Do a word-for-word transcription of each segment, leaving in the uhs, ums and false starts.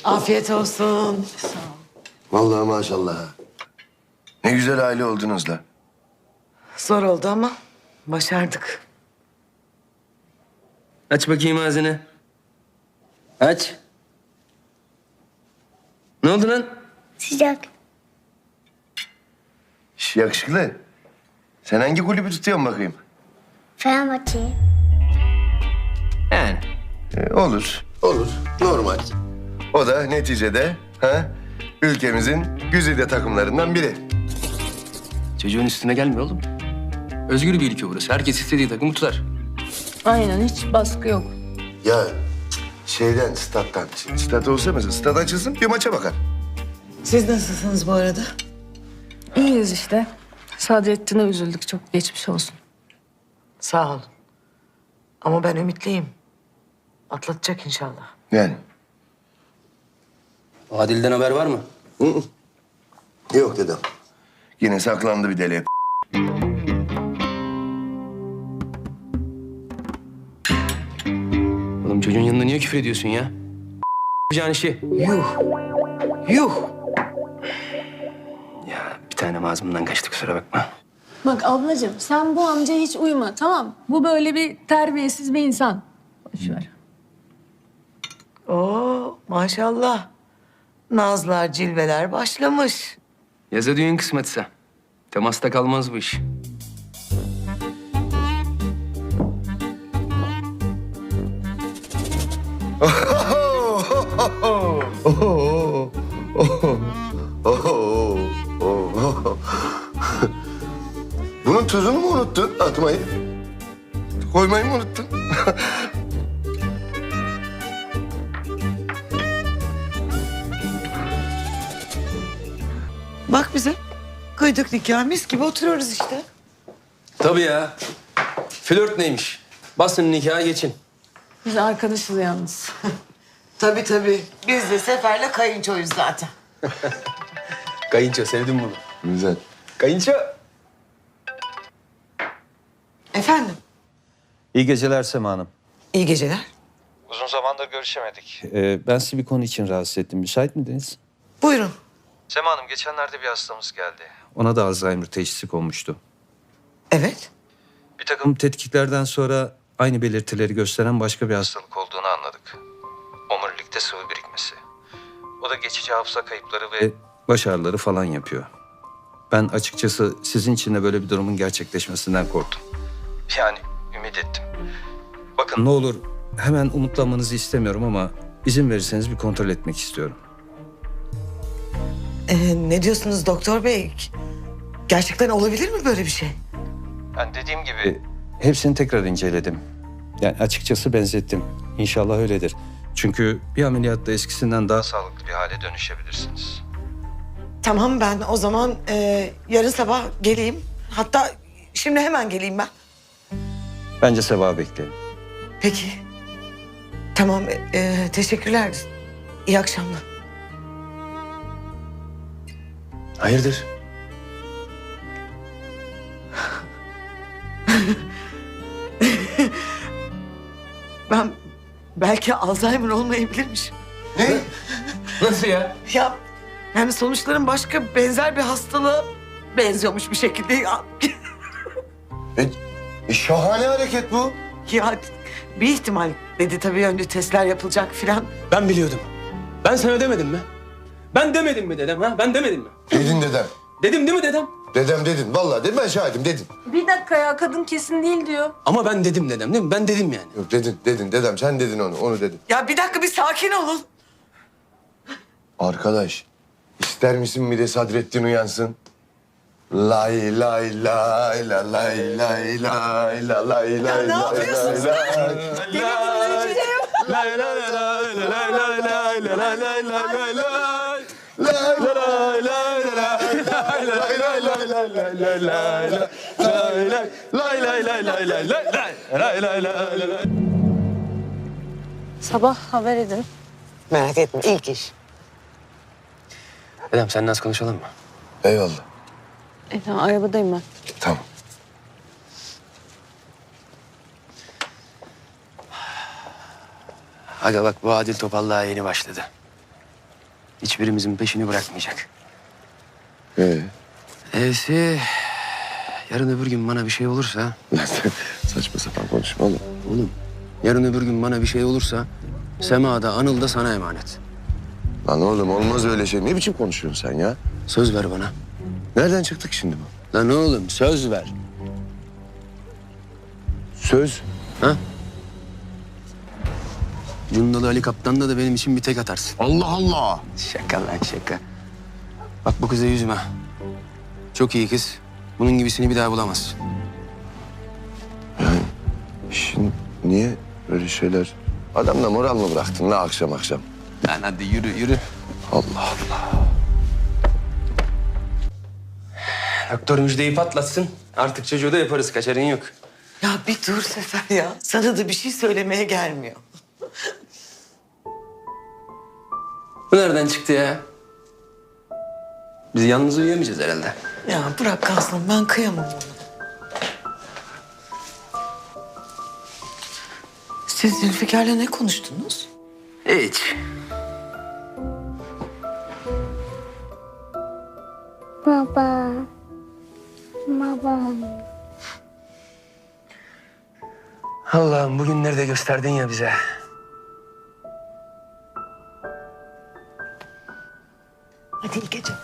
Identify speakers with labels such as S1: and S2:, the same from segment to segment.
S1: Afiyet olsun.
S2: Sağ ol.
S3: Vallahi maşallah. Ne güzel aile oldunuz la.
S1: Zor oldu ama başardık.
S4: Aç bakayım ağzını. Aç. Ne oldu lan?
S5: Sıcak.
S3: Şş, yakışıklı. Sen hangi kulübü tutuyorsun bakayım?
S5: Fenerbahçe'yi.
S4: Yani.
S3: Ee, olur, olur. Normal. O da neticede ha, ülkemizin güzide takımlarından biri.
S4: Çocuğun üstüne gelme oğlum. Özgür bir ülke burası. Herkes istediği takımı tutar.
S2: Aynen, hiç baskı yok.
S3: Ya şeyden, stat'tan. Şimdi stat olsa mesela stat açılsın bir maça bakar.
S1: Siz nasılsınız bu arada?
S2: İyiyiz işte. Sadrettin'e üzüldük. Çok geçmiş olsun.
S1: Sağ ol. Ama ben ümitliyim. Atlatacak inşallah.
S3: Yani.
S4: Adil'den haber var mı?
S3: Hı hı. Yok dedem. Yine saklandı bir deli.
S4: Oğlum çocuğun yanında niye küfür ediyorsun ya? Yapacağın işi.
S1: Yuh. Yuh.
S4: Ya bir tane ağzımdan kaçtı, kusura bakma.
S2: Bak ablacığım, sen bu amcaya hiç uyma, tamam? Bu böyle bir terbiyesiz bir insan. Boş ver.
S1: Oo maşallah. Nazlar, cilveler başlamış.
S4: Yaza düğün kısmetse. Temasta kalmaz bu iş.
S3: Bunun tuzunu mu unuttun atmayı? Koymayı mı unuttun?
S1: Bak bize. Kıydık nikah, mis gibi oturuyoruz işte.
S4: Tabii ya. Flört neymiş? Basın nikaha geçin.
S2: Biz arkadaşız yalnız.
S1: Tabii tabii. Biz de Sefer'le kayınçoyuz zaten.
S4: Kayınço, sevdim bunu.
S3: Güzel.
S4: Kayınço.
S1: Efendim?
S6: İyi geceler Sema Hanım.
S1: İyi geceler.
S6: Uzun zamandır görüşemedik. Ee, ben sizi bir konu için rahatsız ettim. Müsait miydiniz?
S1: Buyurun.
S6: Sema Hanım, geçenlerde bir hastamız geldi. Ona da Alzheimer teşhisi konmuştu.
S1: Evet.
S6: Bir takım tetkiklerden sonra aynı belirtileri gösteren başka bir hastalık olduğunu anladık. Omurilikte sıvı birikmesi. O da geçici hafıza kayıpları ve baş ağrıları falan yapıyor. Ben açıkçası sizin için de böyle bir durumun gerçekleşmesinden korktum. Yani ümit ettim. Bakın ne olur hemen umutlanmanızı istemiyorum ama izin verirseniz bir kontrol etmek istiyorum.
S1: Ee, ne diyorsunuz doktor bey? Gerçekten olabilir mi böyle bir şey?
S6: Ben dediğim gibi hepsini tekrar inceledim. Yani açıkçası benzettim. İnşallah öyledir. Çünkü bir ameliyatta eskisinden daha sağlıklı bir hale dönüşebilirsiniz.
S1: Tamam, ben o zaman e, yarın sabah geleyim. Hatta şimdi hemen geleyim ben.
S6: Bence sabah bekleyin.
S1: Peki. Tamam, e, teşekkürler. İyi akşamlar.
S4: Hayırdır?
S1: Ben belki Alzheimer olmayabilirmiş.
S3: Ne?
S4: Nasıl ya?
S1: Ya yani sonuçların başka benzer bir hastalığa benziyormuş bir şekilde. Ya,
S3: E, e, şahane hareket bu.
S1: ya bir ihtimal dedi tabii, önce testler yapılacak filan.
S4: Ben biliyordum. Ben sana demedim mi? Ben demedim mi dedem ha? Ben demedim mi?
S3: Dedin dedem.
S4: Dedim değil mi dedem?
S3: Dedem dedin. Vallahi dedim, ben şahidim dedin.
S2: Bir dakika ya, kadın kesin değil diyor.
S4: Ama ben dedim dedem değil mi? Ben dedim yani.
S3: Yok dedin, dedin dedem. Sen dedin onu, onu dedin.
S1: Ya bir dakika, bir sakin olun.
S3: Arkadaş, ister misin bir de Sadrettin uyansın? Lay lay lay la lay lay lay la lay lay
S1: ne
S3: lay
S1: yapıyorsunuz?
S3: lay lay.
S2: Sabah haber edin.
S1: Merak etme, ilk iş.
S4: Dedem seninle az konuşalım mı?
S3: Eyvallah.
S2: E, tamam, arabadayım ben.
S3: Tamam.
S4: Aga bak, bu Adil Topal daha yeni başladı. hiçbirimizin peşini bırakmayacak.
S3: Ee,
S4: E'si yarın öbür gün bana bir şey olursa...
S3: lan sen saçma sapan konuşma oğlum.
S4: Oğlum yarın öbür gün bana bir şey olursa Sema da Anıl da sana emanet.
S3: Lan oğlum olmaz öyle şey. Ne biçim konuşuyorsun sen ya?
S4: Söz ver bana.
S3: Nereden çıktık şimdi bu?
S4: Lan oğlum söz ver.
S3: Söz.
S4: Ha? Cundalı Ali Kaptan'da da benim için bir tek atarsın.
S3: Allah Allah.
S4: Şaka lan şaka. Bak bu kıza yüzüme. Çok iyi kız. Bunun gibisini bir daha bulamazsın.
S3: Şimdi niye böyle şeyler... Adamla moral mı bıraktın la akşam akşam?
S4: Lan hadi yürü yürü.
S3: Allah Allah.
S4: Doktor müjdeyi patlatsın. Artık çocuğu da yaparız. Kaçarın yok.
S1: Ya bir dur Sefer ya. Sana da bir şey söylemeye gelmiyor.
S4: Bu nereden çıktı ya? Biz yalnız uyuyamayacağız herhalde.
S1: Ya bırak kalsın, ben kıyamam ona. Siz Zülfikar'la ne konuştunuz?
S4: Hiç.
S5: Baba. Baba.
S4: Allah'ım bugünleri de gösterdin ya bize.
S1: Hadi iyi geceler.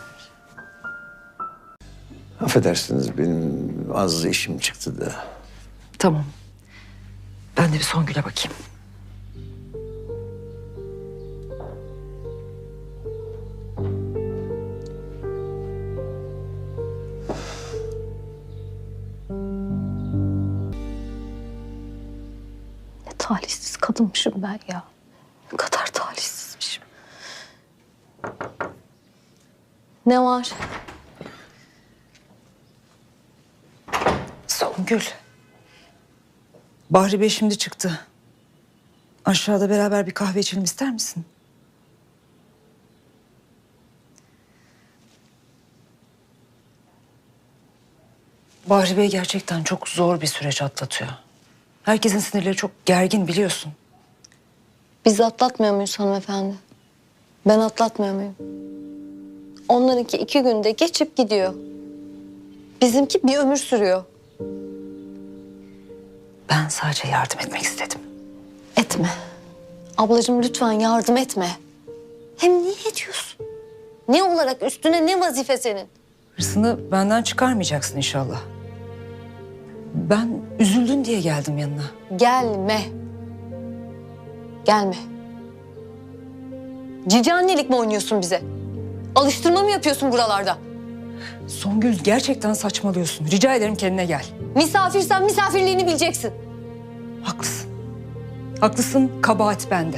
S7: Affedersiniz benim az işim çıktı da.
S8: Tamam. Ben de bir Songül'e bakayım.
S2: Ne talihsiz kadınmışım ben ya. Ne kadar talihsizmişim. Ne var?
S8: Songül. Bahri Bey şimdi çıktı. Aşağıda beraber bir kahve içelim ister misin? Bahri Bey gerçekten çok zor bir süreç atlatıyor. Herkesin sinirleri çok gergin biliyorsun.
S2: Biz atlatmıyor muyuz hanımefendi? Ben atlatmıyor muyum? Onlarınki iki günde geçip gidiyor. Bizimki bir ömür sürüyor.
S8: Ben sadece yardım etmek istedim.
S2: Etme. Ablacığım lütfen yardım etme. Hem niye ediyorsun? Ne olarak üstüne ne vazife senin?
S8: Hırsını benden çıkarmayacaksın inşallah. Ben üzüldün diye geldim yanına.
S2: Gelme. Gelme. Cici annelik mi oynuyorsun bize? Alıştırma mı yapıyorsun buralarda?
S8: Songül gerçekten saçmalıyorsun. Rica ederim kendine gel.
S2: Misafirsen misafirliğini bileceksin.
S8: Haklısın. Haklısın, kabahat bende.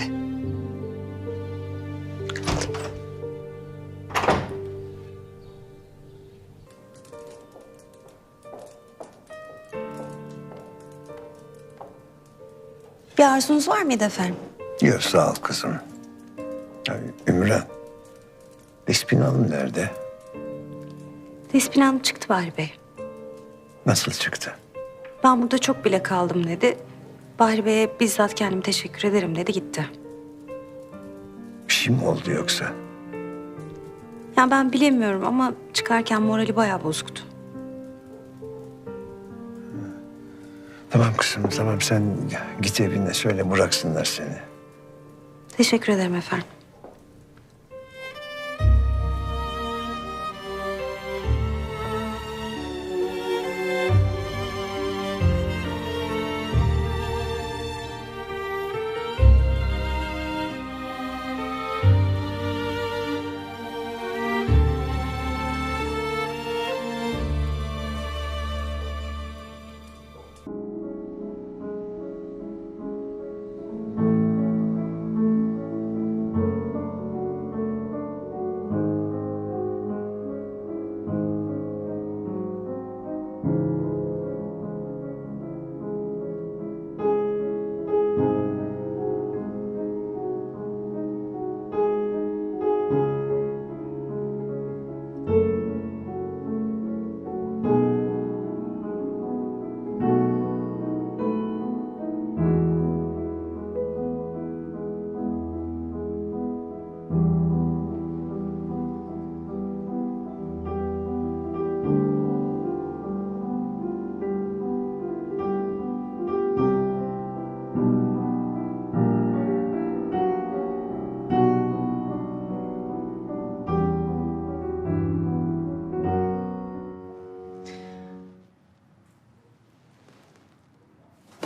S9: Bir arzunuz var mıydı efendim?
S7: Yok sağ ol kızım. Ya, Ümran. Despin Hanım nerede?
S9: Despin Hanım çıktı Bahri Bey.
S7: Nasıl çıktı?
S9: Ben burada çok bile kaldım dedi. Bahri Bey'e bizzat kendim teşekkür ederim dedi gitti.
S7: Bir şey mi oldu yoksa?
S9: Yani ben bilemiyorum ama çıkarken morali bayağı bozuktu.
S7: Tamam kızım tamam sen git evine söyle bıraksınlar seni.
S9: Teşekkür ederim efendim.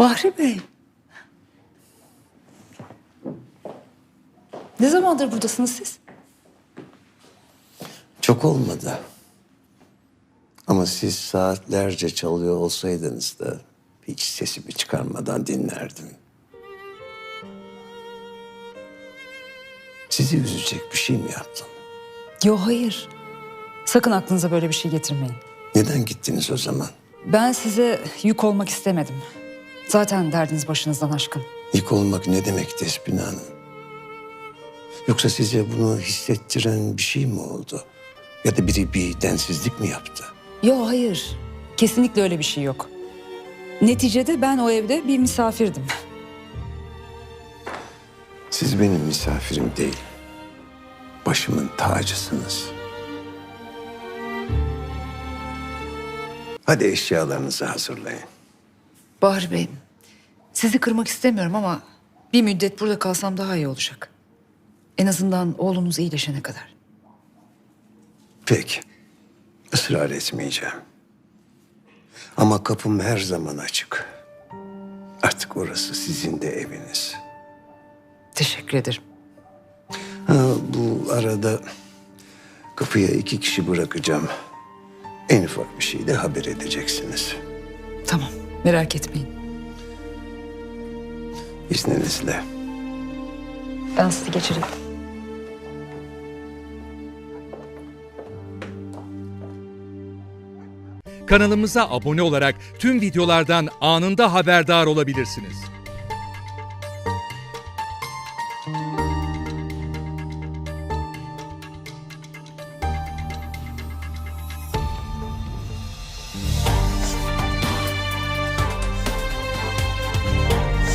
S8: Bahri Bey. Ne zamandır buradasınız siz?
S7: Çok olmadı. Ama siz saatlerce çalıyor olsaydınız da hiç sesimi çıkarmadan dinlerdim. Sizi üzecek bir şey mi yaptım?
S8: Yo hayır. Sakın aklınıza böyle bir şey getirmeyin.
S7: Neden gittiniz o zaman?
S8: Ben size yük olmak istemedim. Zaten derdiniz başınızdan aşkın.
S7: Yık olmak ne demek Despina Hanım? Yoksa size bunu hissettiren bir şey mi oldu? Ya da biri bir densizlik mi yaptı?
S8: Yo hayır. Kesinlikle öyle bir şey yok. Neticede ben o evde bir misafirdim.
S7: Siz benim misafirim değil, başımın tacısınız. Hadi eşyalarınızı hazırlayın.
S8: Bahri Bey, sizi kırmak istemiyorum ama bir müddet burada kalsam daha iyi olacak. En azından oğlunuz iyileşene kadar.
S7: Peki, ısrar etmeyeceğim. Ama kapım her zaman açık. Artık orası sizin de eviniz.
S8: Teşekkür ederim.
S7: Ha, bu arada kapıya iki kişi bırakacağım. En ufak bir şey de haber edeceksiniz.
S8: Tamam, merak etmeyin.
S7: İzninizle.
S8: Ben sizi geçireyim.
S10: Kanalımıza abone olarak tüm videolardan anında haberdar olabilirsiniz.